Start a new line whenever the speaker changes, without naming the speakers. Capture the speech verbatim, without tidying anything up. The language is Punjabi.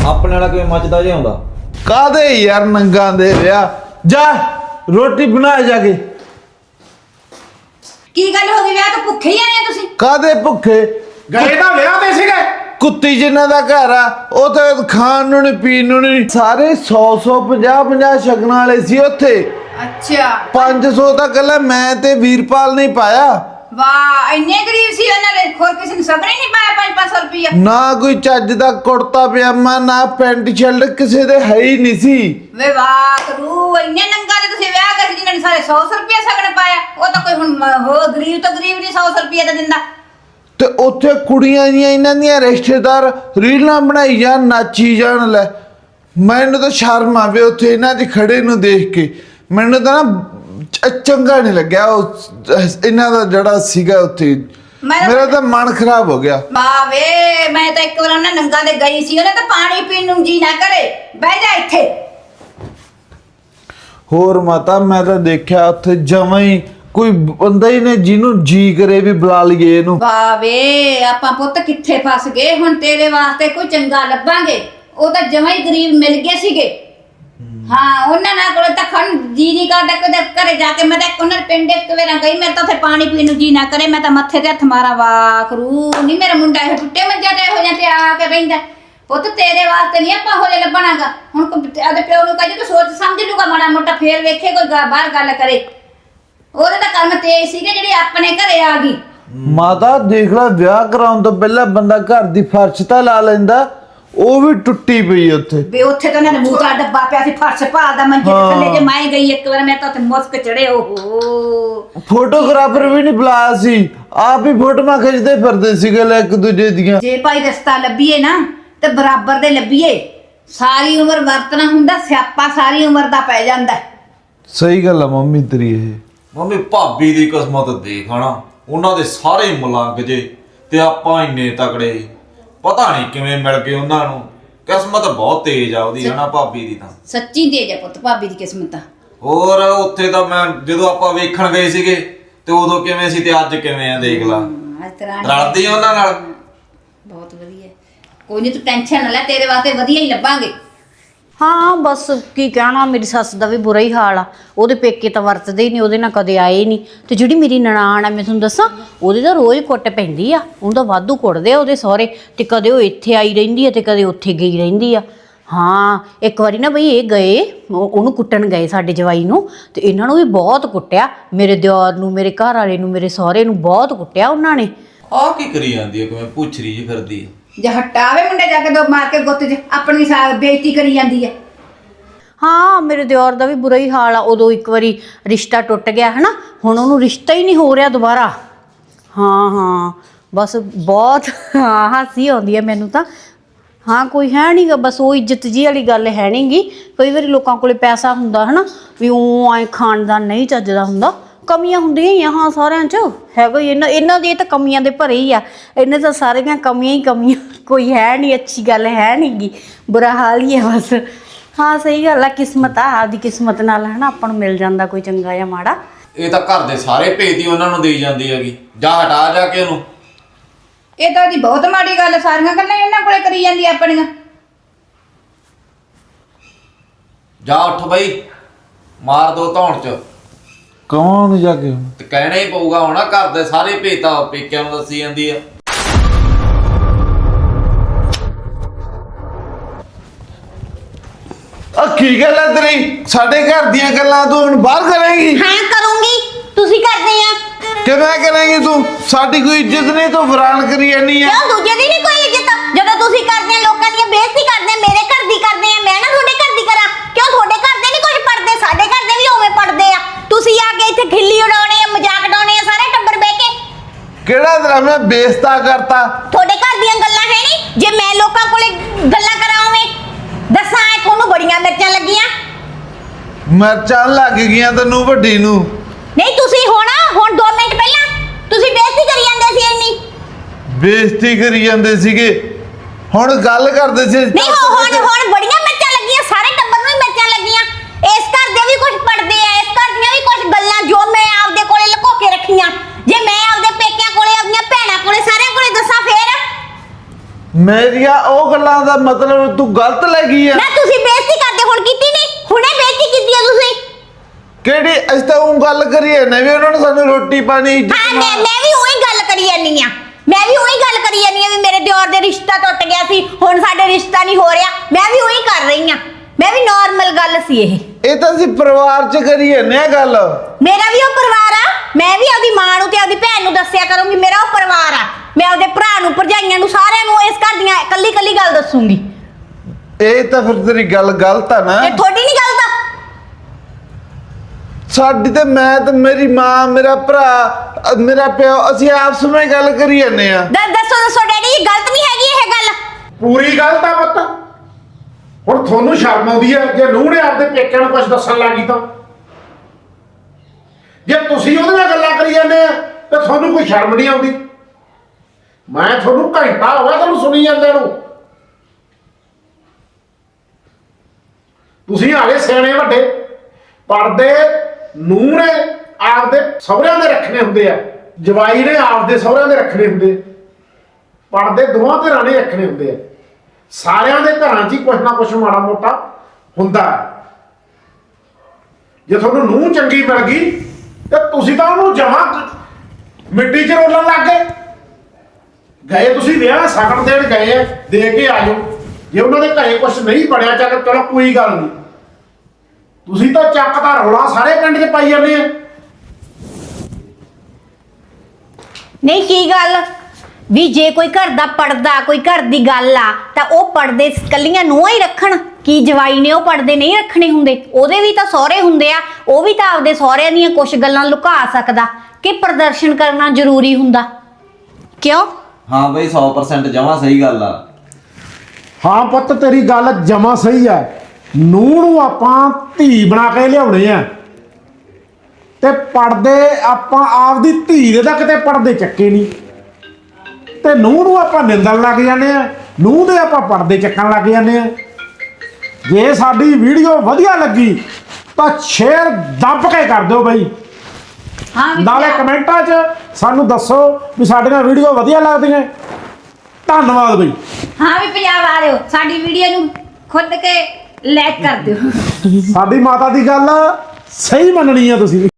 ਆਪਣੇ ਵਾਲਾ ਕਿਵੇਂ ਮੱਚਦਾ ਜਿਹਾ ਆਉਂਦਾ
ਕਾਦੇ ਯਾਰ ਨੰਗਾ ਦੇ ਵਿਆਹ ਜਾ ਰੋਟੀ ਬਣਾ ਜਾ ਕੇ
ਕੀ ਗੱਲ ਹੋ ਗਈ ਵਿਆਹ ਤੋਂ ਭੁੱਖੇ ਹੀ ਆਏ ਆ ਤੁਸੀਂ
ਕਾਦੇ ਭੁੱਖੇ
ਗਏ ਤਾਂ ਵਿਆਹ ਤੇ ਸੀਗੇ
ਕੁੱਤੀ ਜਿੰਨਾ ਦਾ ਘਰ ਆ ਉਹ ਤਾਂ ਖਾਣ ਨੂੰ ਨਹੀਂ ਪੀਣ ਨੂੰ ਨਹੀਂ ਸਾਰੇ ਸੌ ਸੌ ਪੰਜਾਹ ਪੰਜਾਹ ਸ਼ਗਨਾਂ ਵਾਲੇ ਸੀ ਉੱਥੇ
ਅੱਛਾ
ਪੰਜ ਸੌ ਤਾਂ ਕੱਲਾ ਮੈਂ ਤੇ ਵੀਰਪਾਲ ਨਹੀਂ ਪਾਇਆ
ਵਾਹ ਇੰਨੇ ਗਰੀਬ ਸੀ ਉਹਨਾਂ ਦੇ ਹੋਰ ਕਿਸੇ ਨੇ ਸਬਰ ਹੀ ਨਹੀਂ ਪਾਇਆ ਪੰਜ ਪੰਜ ਸੌ ਰੁਪਇਆ
ਨਾ ਕੋਈ ਚੱਜ ਦਾ ਕੁੜਤਾ ਪਜਾਮਾ ਨਾ ਪੈਂਟ ਸ਼ਰਟ ਕਿਸੇ ਦੇ ਹੈ ਹੀ ਨਹੀਂ ਸੀ
ਵੇ ਵਾਹ ਰੂ ਇੰਨੇ ਨੰਗਾ ਦੇ ਤੁਸੀਂ ਵਿਆਹ ਕਰ ਜਿਨ੍ਹਾਂ ਨੇ ਸਾਰੇ ਸੌ ਸੌ ਰੁਪਇਆ ਸਗਣ ਪਾਇਆ ਉਹ ਤਾਂ ਕੋਈ ਹੁਣ ਹੋ ਗਰੀਬ ਤੋਂ ਗਰੀਬ ਨਹੀਂ ਸੌ ਸੌ ਰੁਪਇਆ ਤਾਂ ਦਿੰਦਾ
ਤੇ ਉੱਥੇ ਕੁੜੀਆਂ ਦੀਆਂ ਇਹਨਾਂ ਦੀਆਂ ਰਿਸ਼ਤੇਦਾਰ ਰੀਲਾਂ ਬਣਾਈ ਜਾਣ ਨਾਚੀ ਜਾਣ ਲੈ ਮੈਨੂੰ ਤਾਂ ਸ਼ਰਮ ਆਵੇ ਉੱਥੇ ਇਹਨਾਂ 'ਚ ਖੜੇ ਨੂੰ ਦੇਖ ਕੇ ਮੈਨੂੰ ਤਾਂ ਨਾ ਚ- ਚੰਗਾ ਨਹੀਂ ਲੱਗਿਆ ਉਹ ਇਹਨਾਂ ਦਾ ਜਿਹੜਾ ਸੀਗਾ ਉੱਥੇ
ਮੈਂ-
ਮੇਰਾ ਤਾਂ ਮਨ ਖਰਾਬ ਹੋ ਗਿਆ
ਵਾਹ ਵੇ ਮੈਂ ਤਾਂ ਇੱਕ ਵਾਰ ਉਹਨਾਂ ਨੰਗਾ ਦੇ ਗਈ ਸੀ ਉਹਨੇ ਤਾਂ ਪਾਣੀ ਪੀਣ ਨੂੰ ਜੀ ਨਾ ਕਰੇ ਬਹਿ ਜਾ ਇੱਥੇ
ਹੋਰ ਮਾਤਾ ਮੈਂ ਤਾਂ ਦੇਖਿਆ ਉੱਥੇ ਜਮਾਂ ਹੀ ਕੋਈ ਬੰਦਾ ਹੀ ਨੇ ਜਿਹਨੂੰ ਜੀ ਕਰੇ ਵੀ ਬੁਲਾ ਲਈਏ ਇਹਨੂੰ
ਵਾਹ ਵੇ ਆਪਾਂ ਪੁੱਤ ਕਿੱਥੇ ਫਸ ਗਏ ਹੁਣ ਤੇਰੇ ਵਾਸਤੇ ਕੋਈ ਚੰਗਾ ਲੱਭਾਂਗੇ ਉਹ ਤਾਂ ਜਮਾਂ ਹੀ ਗਰੀਬ ਮਿਲ ਗਏ ਸੀਗੇ ਹਾਂ ਉਹਨਾਂ ਨਾਲ ਕੋਲ ਤਾਂ ਖਣ ਜੀ ਨਹੀਂ ਕਰਦਾ ਕਦੇ ਘਰੇ ਜਾ ਕੇ ਮੈਂ ਤਾਂ ਉਹਨਾਂ ਦੇ ਪਿੰਡ ਇੱਕ ਵੇਰਾ ਗਈ ਮੇਰੇ ਤਾਂ ਉੱਥੇ ਪਾਣੀ ਪੀਣ ਨੂੰ ਜੀ ਨਾ ਕਰੇ ਮੈਂ ਤਾਂ ਮੱਥੇ ਤੇ ਹੱਥ ਮਾਰਾ ਵਾਖਰੂ ਨਹੀਂ ਮੇਰਾ ਮੁੰਡਾ ਇਹ ਟੁੱਟੇ ਮੰਜਾ ਤੇ ਹੋ ਜਾਂ ਤੇ ਆ ਕੇ ਬੈਂਦਾ ਪੁੱਤ ਤੇਰੇ ਵਾਸਤੇ ਨਹੀਂ ਆਪਾਂ ਹੋ ਜੇ ਲੱਭਣਾਗਾ ਹੁਣ ਆਦੇ ਪਿਓ ਨੂੰ ਕਹੇ ਤੂੰ ਸੋਚ ਸਮਝ ਲੂਗਾ ਮਾੜਾ ਮੋਟਾ ਫੇਰ ਵੇਖੇ ਕੋਈ ਬਾਹਰ ਗੱਲ ਕਰੇ ਉਹਦੇ ਤਾਂ ਕੰਮ ਤੇਜ਼ ਸੀਗੇ ਜਿਹੜੀ ਆਪਣੇ ਘਰੇ ਆ ਗਈ
ਮਾਤਾ ਦੇਖ ਲੈ ਵਿਆਹ ਕਰਾਉਣ ਤੋਂ ਪਹਿਲਾਂ ਬੰਦਾ ਘਰ ਦੀ ਫਰਸ਼ ਤਾਂ ਲਾ ਲੈਂਦਾ ਉਹ ਵੀ ਟੁੱਟੀ ਪਈ ਉੱਥੇ
ਵੇ ਉੱਥੇ ਤਾਂ ਉਹਨਾਂ ਨੇ ਮੂੰਹ ਦਾ ਡੱਬਾ ਪਿਆ ਸੀ ਫਰਸ਼ ਭਾਲਦਾ ਮੰਜੇ ਤੇ ਥੱਲੇ ਜੇ ਮੈਂ ਗਈ ਇੱਕ ਵਾਰ ਮੈਂ ਤਾਂ ਉੱਥੇ ਮੁਸਕ ਚੜੇ ਓਹੋ
ਫੋਟੋਗ੍ਰਾਫਰ ਵੀ ਨਹੀਂ ਬੁਲਾਇਆ ਸੀ ਆਪ ਹੀ ਫੋਟੋਆਂ ਖਿੱਚਦੇ ਫਿਰਦੇ ਸੀਗੇ ਲੈ ਇੱਕ ਦੂਜੇ ਦੀਆਂ
ਜੇ ਭਾਈ ਰਸਤਾ ਲੱਭੀਏ ਨਾ ਤੇ ਬਰਾਬਰ ਦੇ ਲੱਭੀਏ ਸਾਰੀ ਉਮਰ ਵਰਤਣਾ ਹੁੰਦਾ ਸਿਆਪਾ ਸਾਰੀ ਉਮਰ ਦਾ ਪੈ ਜਾਂਦਾ
ਸਹੀ ਗੱਲ ਆ ਮੰਮੀ ਤੇਰੀ ਇਹ
ਮੰਮੀ ਭਾਬੀ ਦੀ ਕਿਸਮਤ ਦੇਖ ਹਨਾ ਉਹਨਾਂ ਦੇ ਸਾਰੇ ਮਲੰਗ ਜੇ ਤੇ ਆਪਾਂ ਇੰਨੇ ਤਕੜੇ ਪਤਾ ਨਹੀਂ ਕਿਵੇਂ ਮਿਲ ਗਏ ਉਹਨਾਂ ਨੂੰ ਕਿਸਮਤ ਬਹੁਤ ਤੇਜ਼ ਆ ਉਹਦੀ ਹਨਾ ਭਾਬੀ ਦੀ ਤਾਂ
ਸੱਚੀ ਤੇਜ ਆ ਪੁੱਤ ਭਾਬੀ ਦੀ ਕਿਸਮਤ ਤਾਂ
ਹੋਰ ਉੱਥੇ ਤਾਂ ਮੈਂ ਜਦੋਂ ਆਪਾਂ ਵੇਖਣ ਗਏ ਸੀਗੇ ਤੇ ਉਦੋਂ ਕਿਵੇਂ ਸੀ ਤੇ ਅੱਜ ਕਿਵੇਂ ਆ ਦੇਖ ਲਾ
ਅੱਜ ਤਰ੍ਹਾਂ
ਰਲਦੀ ਉਹਨਾਂ ਨਾਲ
ਬਹੁਤ ਵਧੀਆ ਕੋਈ ਨਹੀਂ ਤੂੰ ਟੈਨਸ਼ਨ ਨਾ ਲੈ ਤੇਰੇ ਵਾਸਤੇ ਵਧੀਆ ਹੀ ਲੱਭਾਂਗੇ
ਹਾਂ ਬਸ ਕੀ ਕਹਿਣਾ ਮੇਰੀ ਸੱਸ ਦਾ ਵੀ ਬੁਰਾ ਹੀ ਹਾਲ ਆ ਉਹਦੇ ਪੇਕੇ ਤਾਂ ਵਰਤਦੇ ਹੀ ਨਹੀਂ ਉਹਦੇ ਨਾਲ ਕਦੇ ਆਏ ਨਹੀਂ ਤੇ ਜਿਹੜੀ ਮੇਰੀ ਨਨਾਣ ਆ ਮੈਂ ਤੁਹਾਨੂੰ ਦੱਸਾਂ ਉਹਦੇ ਤਾਂ ਰੋਜ਼ ਕੁੱਟ ਪੈਂਦੀ ਆ ਉਹਨੂੰ ਤਾਂ ਵਾਧੂ ਕੁੱਟਦੇ ਆ ਉਹਦੇ ਸਹੁਰੇ ਤੇ ਕਦੇ ਉਹ ਇੱਥੇ ਆਈ ਰਹਿੰਦੀ ਆ ਤੇ ਕਦੇ ਉੱਥੇ ਗਈ ਰਹਿੰਦੀ ਆ ਹਾਂ ਇੱਕ ਵਾਰੀ ਨਾ ਬਈ ਇਹ ਗਏ ਉਹ- ਉਹਨੂੰ ਕੁੱਟਣ ਗਏ ਸਾਡੇ ਜਵਾਈ ਨੂੰ ਤੇ ਇਹਨਾਂ ਨੂੰ ਵੀ ਬਹੁਤ ਕੁੱਟਿਆ ਮੇਰੇ ਦਿਓਰ ਨੂੰ ਮੇਰੇ ਘਰ ਵਾਲੇ ਨੂੰ ਮੇਰੇ ਸਹੁਰੇ ਨੂੰ ਬਹੁਤ ਕੁੱਟਿਆ ਉਹਨਾਂ ਨੇ
ਆਹ ਕੀ ਕਰੀ ਜਾਂਦੀ ਹੈ ਕਿਵੇਂ ਪੁੱਛਰੀ ਜੀ ਫਿਰਦੀ ਹੈ
ਜੇ ਹਟਾਵੇ ਮੁੰਡੇ ਜਾ ਕੇ ਦੋ ਮਾਰ ਕੇ ਗੁੱਤ 'ਚ ਆਪਣੀ ਸਾ ਬੇਇੱਜ਼ਤੀ ਕਰੀ ਜਾਂਦੀ ਹੈ
ਹਾਂ ਮੇਰੇ ਦਿਓਰ ਦਾ ਵੀ ਬੁਰਾ ਹੀ ਹਾਲ ਆ ਉਦੋਂ ਇੱਕ ਵਾਰੀ ਰਿਸ਼ਤਾ ਟੁੱਟ ਗਿਆ ਹਨਾ ਹੁਣ ਉਹਨੂੰ ਰਿਸ਼ਤਾ ਹੀ ਨਹੀਂ ਹੋ ਰਿਹਾ ਦੁਬਾਰਾ ਹਾਂ ਹਾਂ ਬਸ ਬਹੁਤ ਹਾਂ ਹਾਸੀ ਆਉਂਦੀ ਹੈ ਮੈਨੂੰ ਤਾਂ ਹਾਂ ਕੋਈ ਹੈ ਨਹੀਂ ਗਾ ਬਸ ਉਹ ਇੱਜ਼ਤ ਜੀ ਵਾਲੀ ਗੱਲ ਹੈ ਨਹੀਂ ਗੀ ਕਈ ਵਾਰੀ ਲੋਕਾਂ ਕੋਲੇ ਪੈਸਾ ਹੁੰਦਾ ਹਨਾ ਵੀ ਉਹ ਐ ਖਾਨਦਾਨ ਨਹੀਂ ਚੱਜਦਾ ਹੁੰਦਾ ਕਮੀਆਂ ਹੁੰਦੀਆਂ ਹੀ ਆ ਹਾਂ ਸਾਰਿਆਂ 'ਚ ਹੈਗਾ ਹੀ ਇਹਨਾਂ ਇਹਨਾਂ ਦੀ ਤਾਂ ਕਮੀਆਂ ਦੇ ਭਰੇ ਹੀ ਆ ਇਹਨੇ ਤਾਂ ਸਾਰੀਆਂ ਕਮੀਆਂ ਹੀ ਕਮੀਆਂ ਕੋਈ ਹੈ ਨਹੀਂ ਅੱਛੀ ਗੱਲ ਹੈ ਨਹੀਂ ਗੀ ਬੁਰਾ ਹਾਲ ਹੀ ਹੈ ਬਸ ਹਾਂ ਸਹੀ ਗੱਲ ਆ ਕਿਸਮਤ ਆ ਆਪਦੀ ਕਿਸਮਤ ਨਾਲ ਹੈ ਨਾ ਆਪਾਂ ਨੂੰ ਮਿਲ ਜਾਂਦਾ ਕੋਈ ਚੰਗਾ ਜਾਂ ਮਾੜਾ
ਇਹ ਤਾਂ ਘਰ ਦੇ ਸਾਰੇ ਭੇਤ ਹੀ ਉਹਨਾਂ ਨੂੰ ਦੇਈ ਜਾਂਦੀ ਹੈਗੀ ਜਾ ਹਟਾ ਜਾ ਕੇ ਉਹਨੂੰ
ਇਹ ਤਾਂ ਦੀ ਬਹੁਤ ਮਾੜੀ ਗੱਲ ਸਾਰੀਆਂ ਗੱਲਾਂ ਇਹਨਾਂ ਕੋਲੇ ਕਰੀ ਜਾਂਦੀ ਆਪਣੀਆਂ
ਜਾ ਉੱਠ ਬਈ ਮਾਰ ਦੋ ਧੌਣ ਚ
ਕੌਣ ਜਾ ਕੇ
ਤੇ ਕਹਿਣਾ ਹੀ ਪਊਗਾ ਹੁਣ ਘਰ ਦੇ ਸਾਰੇ ਭੇਤ ਆ ਪੇਕਿਆਂ ਨੂੰ ਦੱਸੀ ਜਾਂਦੀ ਆ
ਆ ਕੀ ਗੱਲ ਹੈ ਤੇਰੀ ਸਾਡੇ ਘਰ ਦੀਆਂ ਗੱਲਾਂ ਤੂੰ ਹੁਣ ਬਾਹਰ ਕਰੇਂਗੀ
ਹਾਂ ਕਰੂੰਗੀ ਤੁਸੀਂ ਕਰਦੇ ਆ
ਕਿਵੇਂ ਕਰੇਂਗੀ ਤੂੰ ਸਾਡੀ ਕੋਈ ਇੱਜ਼ਤ ਨਹੀਂ ਤੂੰ ਫਰਾਨ ਕਰੀ ਜਾਨੀ ਆ
ਕਿਉਂ ਦੂਜੇ ਦੀ ਨਹੀਂ ਕੋਈ ਇੱਜ਼ਤ ਜਦੋਂ ਤੁਸੀਂ ਕਰਦੇ ਆ ਲੋਕਾਂ ਦੀਆਂ ਬੇਇੱਜ਼ਤੀ ਕਰਦੇ ਆ ਮੇਰੇ ਘਰ ਦੀ ਕਰਦੇ ਆ ਮੈਂ ਨਾ ਤੁਹਾਡੇ ਘਰ ਦੀ ਕਰਾਂ ਕਿਉਂ ਤੁਹਾਡੇ ਘਰ ਦੇ ਨਹੀਂ ਕੁਝ ਪੜਦੇ ਸਾਡੇ ਘਰ ਦੇ ਵੀ ਉਵੇਂ ਪੜਦੇ ਆ ਤੁਸੀਂ ਆ ਕੇ ਇੱਥੇ ਖਿੱਲੀ ਉਡਾਉਣੇ ਆ ਮਜ਼ਾਕ ਉਡਾਉਣੇ ਆ ਸਾਰੇ ਟੱਬਰ ਬਹਿ ਕੇ
ਕਿਹੜਾ ਤੇਰਾ ਮੈਂ ਬੇਇੱਜ਼ਤਾ ਕਰਤਾ
ਤੁਹਾਡੇ ਘਰ ਦੀਆਂ ਗੱਲਾਂ ਹੈ ਨਹੀਂ ਜੇ ਮੈਂ ਲੋਕਾਂ ਕੋਲੇ ਗੱਲਾਂ ਕਰਾਉਂਵੇਂ ਦੱਸਾਂ ਐ ਤੁਹਾਨੂੰ ਬੜੀਆਂ ਮਿਰਚਾਂ ਲੱਗੀਆਂ
ਮਿਰਚਾਂ ਲੱਗ ਗਈਆਂ ਤੈਨੂੰ ਵੱਡੀ ਨੂੰ
ਨਹੀਂ ਤੁਸੀਂ ਹੁਣ ਹੁਣ ਦੋ ਮਿੰਟ ਪਹਿਲਾਂ ਤੁਸੀਂ ਬੇਇੱਜ਼ਤੀ ਕਰੀ ਜਾਂਦੇ ਸੀ ਇੰਨੀ
ਬੇਇੱਜ਼ਤੀ ਕਰੀ ਜਾਂਦੇ ਸੀਗੇ ਹੁਣ ਗੱਲ ਕਰਦੇ ਸੀ
ਨਹੀਂ ਹੋ ਹੁਣ ਹੁਣ ਬੜੀਆਂ ਮਿਰਚਾਂ ਲੱਗੀਆਂ ਸਾਰੇ ਟੱਬਰ ਨੂੰ ਹੀ ਮਿਰਚਾਂ ਲੱਗੀਆਂ ਇਸ ਘਰ ਦੇ ਵੀ ਕੁਝ ਪੜਦੇ ਆ ਇਸ ਘਰ ਦੀਆਂ ਵੀ ਕੁਝ ਗੱਲਾਂ ਜੋ ਮੈਂ ਆਪਦੇ ਕੋਲੇ ਲੁਕੋ ਕੇ ਰੱਖੀਆਂ ਜੇ ਮੈਂ ਆਪਦੇ ਪੇਕਿਆਂ ਕੋਲੇ ਆਪਣੀਆਂ ਭੈਣਾਂ ਕੋਲੇ ਸਾਰਿਆਂ ਕੋਲੇ ਦੱਸਾਂ ਫੇਰ
ਮੇਰੀਆਂ ਉਹ ਗੱਲਾਂ ਦਾ ਮਤਲਬ ਤੂੰ ਗਲਤ ਲੱਗੀ ਆ
ਨਾ ਤੁਸੀਂ ਬੇਇੱਜ਼ਤੀ ਕਰਦੇ ਹੁਣ ਕੀਤੀ ਨਹੀਂ ਹੁਣੇ ਬੇਇੱਜ਼ਤੀ ਕੀਤੀ ਆ ਤੁਸੀਂ
ਕਿਹੜੀ ਅਸੀਂ ਤਾਂ ਉਹ ਗੱਲ ਕਰੀਏ ਨਾ ਵੀ ਉਹਨਾਂ ਨੇ ਸਾਨੂੰ ਰੋਟੀ ਪਾਣੀ ਇੱਜ਼ਤ
ਹਾਂ ਮੈਂ ਮੈਂ ਵੀ ਉਹੀ ਗੱਲ ਕਰੀ ਜਾਨੀ ਆ ਮੈਂ ਵੀ ਉਹੀ ਗੱਲ ਕਰੀ ਜਾਨੀ ਆ ਵੀ ਮੇਰੇ ਦਿਓਰ ਦੇ ਰਿਸ਼ਤਾ ਟੁੱਟ ਗਿਆ ਸੀ ਹੁਣ ਸਾਡੇ ਰਿਸ਼ਤਾ ਨਹੀਂ ਹੋ ਰਿਹਾ ਮੈਂ ਵੀ ਉਹੀ ਕਰ ਰਹੀ ਆ ਮੈਂ ਵੀ ਨਾਰਮਲ ਗੱਲ ਸੀ ਇਹ
ਇਹ ਤਾਂ ਅਸੀਂ ਪਰਿਵਾਰ 'ਚ ਕਰੀਏ ਨਾ ਗੱਲ
ਮੇਰਾ ਵੀ ਉਹ ਪਰਿਵਾਰ ਆ ਮੈਂ ਵੀ ਆਪਦੀ ਮਾਂ ਨੂੰ ਤੇ ਆਪਦੀ ਭੈਣ ਨੂੰ ਦੱਸਿਆ ਕਰੂੰਗੀ ਮੇਰਾ ਉਹ ਪਰਿਵਾਰ ਆ ਮੈਂ ਆਪਦੇ ਭਰਾ ਨੂੰ ਭਰਜਾਈਆਂ ਨੂੰ ਸਾਰਿਆਂ ਨੂੰ ਇਸ ਘਰ ਦੀਆਂ ਇਕੱਲੀ ਇਕੱਲੀ ਗੱਲ ਦੱਸੂਗੀ
ਇਹ ਤਾਂ ਫਿਰ ਤੇਰੀ ਗੱਲ ਗਲਤ ਆ ਨਾ
ਇਹ ਤੁਹਾਡੀ ਨਹੀਂ ਗੱਲ ਤਾਂ
ਸਾਡੀ ਤੇ ਮੈਂ ਤੇ ਮੇਰੀ ਮਾਂ ਮੇਰਾ ਭਰਾ ਅ, ਮੇਰਾ ਪਿਓ ਅਸੀਂ ਆਪਸ ਵਿੱਚ ਗੱਲ ਕਰੀ ਜਾਂਦੇ ਆ
ਦ- ਦੱਸੋ ਦੱਸੋ ਡੈਡੀ ਜੀ ਗਲਤ ਨਹੀਂ ਹੈਗੀ ਇਹ ਗੱਲ
ਪੂਰੀ ਗੱਲ ਤਾਂ ਪੁੱਤ ਹੁਣ ਤੁਹਾਨੂੰ ਸ਼ਰਮ ਆਉਂਦੀ ਹੈ ਜੇ ਨੂੰਹ ਨੇ ਆਪਦੇ ਪੇਕਿਆਂ ਨੂੰ ਕੁਝ ਦੱਸਣ ਲੱਗੀ ਤਾਂ ਜੇ ਤੁਸੀਂ ਉਹਦੇ ਨਾਲ ਗੱਲਾਂ ਕਰੀ ਜਾਂਦੇ ਆ ਤੇ ਤੁਹਾਨੂੰ ਕੋਈ ਸ਼ਰਮ ਨਹੀਂ ਆਉਂਦੀ ਮੈਂ ਤੁਹਾਨੂੰ ਘੰਟਾ ਹੋ ਗਿਆ ਤੁਹਾਨੂੰ ਸੁਣੀ ਜਾਂਦੇ ਨੂੰ ਤੁਸੀਂ ਆਲੇ ਸਿਆਣੇ ਵੱਡੇ ਪਰਦੇ ਨੂੰਹ ਨੇ ਆਪਦੇ ਸਹੁਰਿਆਂ ਦੇ ਰੱਖਣੇ ਹੁੰਦੇ ਆ ਜਵਾਈ ਨੇ ਆਪਦੇ ਸਹੁਰਿਆਂ ਦੇ ਰੱਖਣੇ ਹੁੰਦੇ ਪਰਦੇ ਦੋਵਾਂ ਧਿਰਾਂ ਨੇ ਰੱਖਣੇ ਹੁੰਦੇ ਆ ਸਾਰਿਆਂ ਦੇ ਘਰਾਂ 'ਚ ਹੀ ਕੁਛ ਨਾ ਕੁਛ ਮਾੜਾ ਮੋਟਾ ਹੁੰਦਾ ਹੈ। ਜੇ ਤੁਹਾਨੂੰ ਨੂੰਹ ਚੰਗੀ ਮਿਲ ਗਈ ਤੇ ਤੁਸੀਂ ਤਾਂ ਉਹਨੂੰ ਜਮਾ ਮਿੱਟੀ 'ਚ ਰੋਲਣ ਲੱਗ ਗਏ ਗਏ ਤੁਸੀਂ ਵਿਆਹ ਸ਼ਗਨ ਦੇਣ ਗਏ ਆ ਦੇ ਕੇ ਆ ਜਾਓ ਜੇ ਉਹਨਾਂ ਦੇ ਘਰੇ ਕੁਛ ਨਹੀਂ ਬਣਿਆ ਚੱਲ ਚਲੋ ਕੋਈ ਗੱਲ ਨਹੀਂ ਤੁਸੀਂ ਤਾਂ ਚੱਕ ਦਾ ਰੌਲਾ ਸਾਰੇ ਪਿੰਡ 'ਚ ਪਾਈ ਜਾਂਦੇ ਆ
ਨਹੀਂ ਕੀ ਗੱਲ ਵੀ ਜੇ ਕੋਈ ਘਰ ਦਾ ਪਰਦਾ ਕੋਈ ਘਰ ਦੀ ਗੱਲ ਆ ਤਾਂ ਉਹ ਪਰਦੇ ਕੱਲੀਆਂ ਨੂੰਹਾਂ ਹੀ ਰੱਖਣ ਕੀ ਜਵਾਈ ਨੇ ਉਹ ਪਰਦੇ ਨਹੀਂ ਰੱਖਣੇ ਹੁੰਦੇ ਉਹਦੇ ਵੀ ਤਾਂ ਸਹੁਰੇ ਹੁੰਦੇ ਆ ਉਹ ਵੀ ਤਾਂ ਆਪਦੇ ਸਹੁਰਿਆਂ ਦੀਆਂ ਕੁਝ ਗੱਲਾਂ ਲੁਕਾ ਸਕਦਾ ਕਿ ਪ੍ਰਦਰਸ਼ਨ ਕਰਨਾ ਜ਼ਰੂਰੀ ਹੁੰਦਾ ਕਿਉਂ
ਹਾਂ ਬਈ ਸੌ ਪਰਸੈਂਟ ਜਮਾਂ ਸਹੀ ਗੱਲ ਆ
ਹਾਂ ਪੁੱਤ ਤੇਰੀ ਗੱਲ ਜਮਾ ਸਹੀ ਹੈ ਨੂੰਹ ਨੂੰ ਆਪਾਂ ਧੀ ਬਣਾ ਕੇ ਲਿਆਉਣੇ ਆ ਤੇ ਪਰਦੇ ਆਪਾਂ ਆਪਦੀ ਧੀ ਦੇ ਤਾਂ ਕਿਤੇ ਪਰਦੇ ਚੱਕੇ ਨਹੀਂ ਤੇ ਨੂੰਹ ਨੂੰ ਆਪਾਂ ਨਿੰਦਣ ਲੱਗ ਜਾਂਦੇ ਆ ਨੂੰਹ ਦੇ ਆਪਾਂ ਪਰਦੇ ਚੱਕਣ ਲੱਗ ਜਾਂਦੇ ਆ ਜੇ ਸਾਡੀ ਵੀਡੀਓ ਵਧੀਆ ਲੱਗੀ ਤਾਂ ਸ਼ੇਅਰ ਦੱਬ ਕੇ ਕਰ ਦਿਓ ਬਈ
ਹਾਂ ਵੀ
ਨਾਲੇ
ਪਿਆ-
ਕਮੈਂਟਾਂ 'ਚ ਸਾਨੂੰ ਦੱਸੋ ਵੀ ਸਾਡੀਆਂ ਵੀਡੀਓ ਵਧੀਆ ਲੱਗਦੀਆਂ ਧੰਨਵਾਦ ਬਈ
ਹਾਂ ਵੀ ਪੰਜਾਬ ਵਾਲਿਓ ਸਾਡੀ ਵੀਡੀਓ ਨੂੰ ਖੁਦ ਕੇ ਲਾਈਕ ਕਰ ਦਿਓ
ਸਾਡੀ ਮਾਤਾ ਦੀ ਗੱਲ ਸਹੀ ਮੰਨਣੀ ਆ ਤੁਸੀਂ